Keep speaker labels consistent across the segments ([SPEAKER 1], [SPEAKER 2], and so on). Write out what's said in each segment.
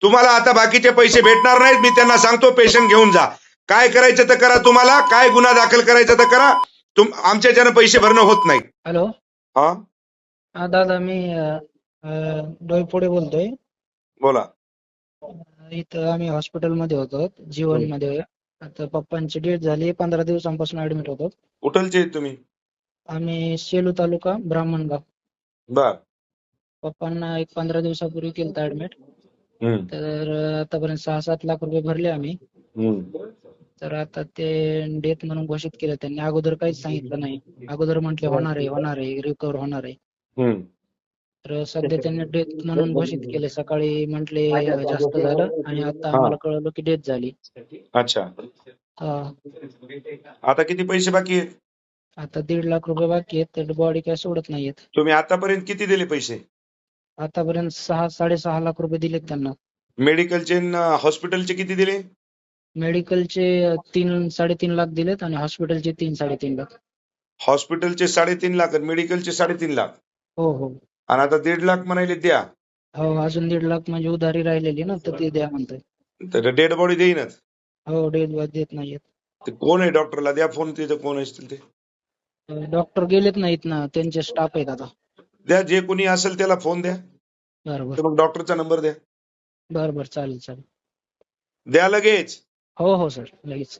[SPEAKER 1] तुम्हाला आता बाकीचे पैसे भेटणार नाहीत, मी त्यांना सांगतो पेशंट घेऊन जा. काय करायचं तर करा, तुम्हाला काय गुन्हा दाखल करायचा तर करा. आमच्याच्यानं पैसे भरणं होत नाही.
[SPEAKER 2] हॅलो.
[SPEAKER 1] हा
[SPEAKER 2] हा दादा, मी डोईफोडे बोलतोय.
[SPEAKER 1] बोला.
[SPEAKER 2] इथं आम्ही हॉस्पिटलमध्ये होतो, जीवनमध्ये. आता पप्पांची डेथ झाली, 15 दिवसांपासून ऍडमिट होतो.
[SPEAKER 1] कुठलचे आहेत तुम्ही?
[SPEAKER 2] आम्ही सेलू तालुका, ब्राह्मणगाव.
[SPEAKER 1] बर.
[SPEAKER 2] पप्पांना एक 15 दिवसापूर्वी केलं ऍडमिट.
[SPEAKER 1] हम्म.
[SPEAKER 2] तर आतापर्यंत 6-7 लाख रुपये भरले आम्ही.
[SPEAKER 1] हम्म.
[SPEAKER 2] तर आता ते डेथ म्हणून घोषित केलं त्यांनी. अगोदर काहीच सांगितलं नाही. अगोदर म्हटले होणार आहे, रिकव्हर होणार आहे.
[SPEAKER 1] हम्म.
[SPEAKER 2] तर सध्या त्यांनी डेथ म्हणून घोषित केले. सकाळी म्हटले जास्त झालं, आणि आता
[SPEAKER 1] हा.
[SPEAKER 2] आम्हाला कळलं की डेथ झाली.
[SPEAKER 1] अच्छा.
[SPEAKER 2] हा.
[SPEAKER 1] आता किती पैसे बाकी आहेत?
[SPEAKER 2] आता 1.5 लाख रुपये बाकी आहेत. तर बॉडी काय सोडत नाहीयेत.
[SPEAKER 1] तुम्ही आतापर्यंत किती दिले पैसे?
[SPEAKER 2] आतापर्यंत 6-6.5 लाख रुपये दिलेत त्यांना.
[SPEAKER 1] मेडिकलचे हॉस्पिटलचे किती दिले?
[SPEAKER 2] मेडिकलचे 3-3.5 लाख दिलेत, आणि हॉस्पिटलचे 3-3.5 लाख.
[SPEAKER 1] हॉस्पिटलचे 3.5 लाख आणि मेडिकलचे 3.5 लाख,
[SPEAKER 2] हो हो
[SPEAKER 1] आणि आता 1.5 लाख म्हणाले द्या.
[SPEAKER 2] हो. अजून 1.5 लाख म्हणजे उधारी राहिलेली ना, तर ते द्या म्हणतोय.
[SPEAKER 1] तर डेड बॉडी देईनच.
[SPEAKER 2] हो, डेथ देत नाहीयेत.
[SPEAKER 1] ते कोण आहे? डॉक्टरला द्या फोन, तिथं कोण असतील ते
[SPEAKER 2] डॉक्टर गेलेत नाहीत ना, त्यांचे स्टाफ आहेत आता.
[SPEAKER 1] द्या. जे कोणी असेल त्याला फोन द्या.
[SPEAKER 2] बरोबर.
[SPEAKER 1] तर मग डॉक्टरचा नंबर द्या.
[SPEAKER 2] बरोबर, चालेल चालेल.
[SPEAKER 1] द्या लगेच.
[SPEAKER 2] हो हो सर, लगेच.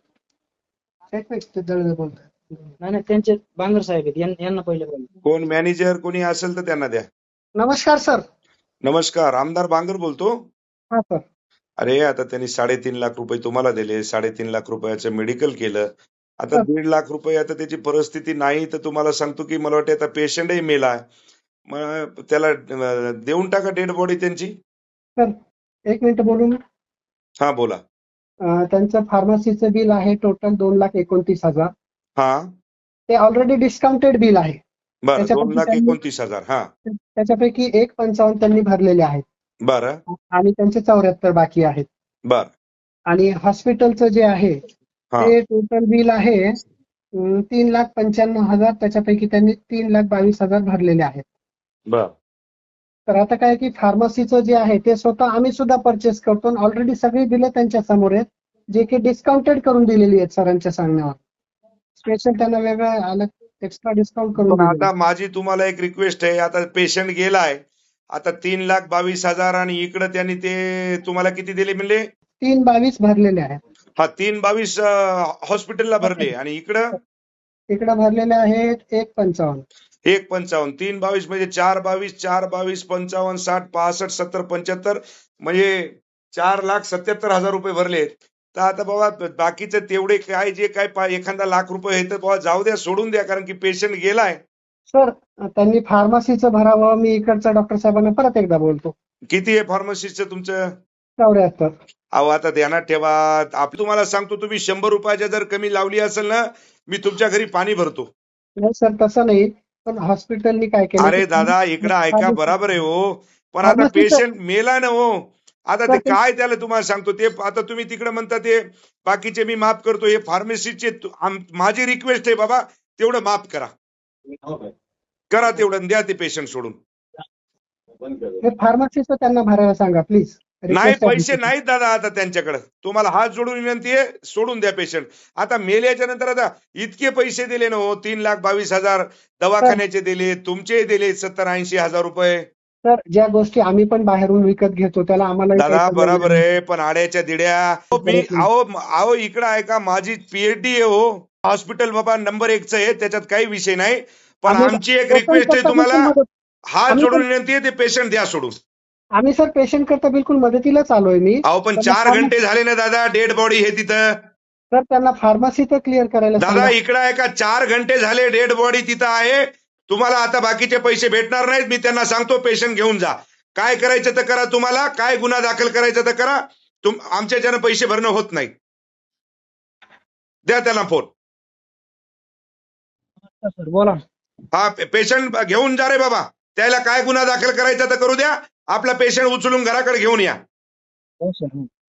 [SPEAKER 2] नाही नाही, त्यांचे बांगर साहेब आहेत, यांना पहिले बोला.
[SPEAKER 1] कोण मॅनेजर कोणी असेल तर त्यांना द्या.
[SPEAKER 3] नमस्कार सर.
[SPEAKER 1] नमस्कार, आमदार बांगर बोलतो.
[SPEAKER 3] हा सर.
[SPEAKER 1] अरे आता त्यांनी 3.5 लाख रुपये तुम्हाला दिले, 3.5 लाख रुपयाचं मेडिकल केलं. आता
[SPEAKER 3] सर.
[SPEAKER 1] 1.5 लाख रुपये, आता त्याची परिस्थिती नाही, तर तुम्हाला सांगतो की मला वाटतं आता पेशंटही मेला. मग त्याला देऊन टाका डेड बॉडी त्यांची.
[SPEAKER 3] सर, 1 मिनिट बोलून.
[SPEAKER 1] हा बोला.
[SPEAKER 3] त्यांचं फार्मसीचं बिल आहे टोटल 2,29,000.
[SPEAKER 1] हा
[SPEAKER 3] ते ऑलरेडी डिस्काउंटेड बिल आहे.
[SPEAKER 1] बरं,
[SPEAKER 3] त्याच्यापैकी
[SPEAKER 1] 2,29,000. हा
[SPEAKER 3] त्याच्यापैकी 1,55 त्यांनी भरलेले आहेत,
[SPEAKER 1] बरं
[SPEAKER 3] आणि त्यांचे 74 बाकी आहेत.
[SPEAKER 1] बर.
[SPEAKER 3] आणि हॉस्पिटलचं जे आहे
[SPEAKER 1] हा
[SPEAKER 3] ते टोटल बिल आहे 3,95,000. त्याच्यापैकी त्यांनी 3,22,000 भरलेले आहेत.
[SPEAKER 1] बर.
[SPEAKER 3] तर आता काय की फार्मसीचं जे आहे ते स्वतः आम्ही सुद्धा परचेस करतो. ऑलरेडी सगळी बिलं त्यांच्या समोर आहेत, जे की डिस्काउंटेड करून दिलेली आहेत सरांच्या सांगण्यावर. स्पेशल त्यांना वेगळं अलग एक्स्ट्रा डिस्काउंट करून
[SPEAKER 1] पण
[SPEAKER 3] दिलेलं
[SPEAKER 1] आता माझी तुम्हाला एक रिक्वेस्ट आहे. आता पेशंट गेलाय, आता 3,22,000, आणि इकडे त्यांनी ते तुम्हाला किती दिले म्हणले?
[SPEAKER 3] 3,22 भरलेले आहेत.
[SPEAKER 1] हा, 3,22 हॉस्पिटलला भरले, आणि इकडं
[SPEAKER 3] इकडे भरलेले आहेत 1,55.
[SPEAKER 1] 1,55. 3,22 म्हणजे 4,22, 4,22, 55, 60, 65, 70, 75, म्हणजे 4,77,000 रुपये भरले. तर आता बाबा बाकीचं तेवढे काय जे काय एखादा लाख रुपये आहे तर बाबा जाऊ द्या, सोडून द्या, कारण की पेशंट गेलाय.
[SPEAKER 3] सर, त्यांनी फार्मसीचं भरावं. मी इकडच्या डॉक्टर साहेबांना परत एकदा बोलतो.
[SPEAKER 1] किती आहे फार्मसीचं तुमचं?
[SPEAKER 3] 74.
[SPEAKER 1] अहो आता ध्यानात ठेवा. तुम्हाला सांगतो, तुम्ही 100 रुपयाच्या जर कमी लावली असेल ना, मी तुमच्या घरी पाणी भरतो.
[SPEAKER 3] नाही सर, तसं नाही. पण हॉस्पिटलनी काय केलं?
[SPEAKER 1] अरे दादा, इकडं ऐका, बराबर आहे हो, पण आता पेशंट मेला ना हो. आता ते काय, त्याला तुम्हाला सांगतो ते, आता तुम्ही तिकडे म्हणता ते बाकीचे मी माफ करतो, हे फार्मसीचे माझी रिक्वेस्ट आहे बाबा, तेवढं माफ करा. करा तेवढं, द्या ते पेशंट सोडून.
[SPEAKER 3] फार्मसीचं त्यांना भरायला सांगा प्लीज.
[SPEAKER 1] नाही, पैसे नाहीत दादा आता त्यांच्याकडे. तुम्हाला हात जोडून विनंती आहे, सोडून द्या पेशंट. आता मेल्याच्या नंतर आता इतके पैसे दिले ना हो, 3,22,000 दवाखान्याचे दिले, तुमचे दिले 70-80 हजार रुपये.
[SPEAKER 3] तर ज्या गोष्टी आम्ही पण बाहेरून विकत घेतो त्याला आम्हाला
[SPEAKER 1] दादा बरोबर आहे, पण आड्याच्या दिड्या. मी आहो इकडं ऐका, माझी पीएचडी आहे हो. हॉस्पिटल बाबा नंबर 1च आहे, त्याच्यात काही विषय नाही. पण आमची एक रिक्वेस्ट आहे तुम्हाला, हात जोडून विनंती आहे, ते पेशंट द्या सोडून.
[SPEAKER 3] आम्ही सर पेशंट करता बिलकुल मदतीलाच आलोय मी.
[SPEAKER 1] अहो पण 4 घंटे झाले ना दादा, डेड बॉडी हे तिथं.
[SPEAKER 3] तर त्यांना फार्मसी तर क्लिअर करायला
[SPEAKER 1] दादा इकडं ऐका, 4 घंटे झाले डेड बॉडी तिथं आहे. तुम्हाला आता बाकीचे पैसे भेटणार नाहीत, मी त्यांना सांगतो पेशंट घेऊन जा. काय करायचं तर करा, तुम्हाला काय गुन्हा दाखल करायचा तर करा. आमच्याच्यानं पैसे भरणं होत नाही. द्या त्यांना फोन.
[SPEAKER 2] सर बोला.
[SPEAKER 1] हा, पेशंट घेऊन जा रे बाबा. त्याला काय गुन्हा दाखल करायचा तर करू द्या. आपला पेशंट उचलून घराकडे घेऊन या.
[SPEAKER 2] हो सर.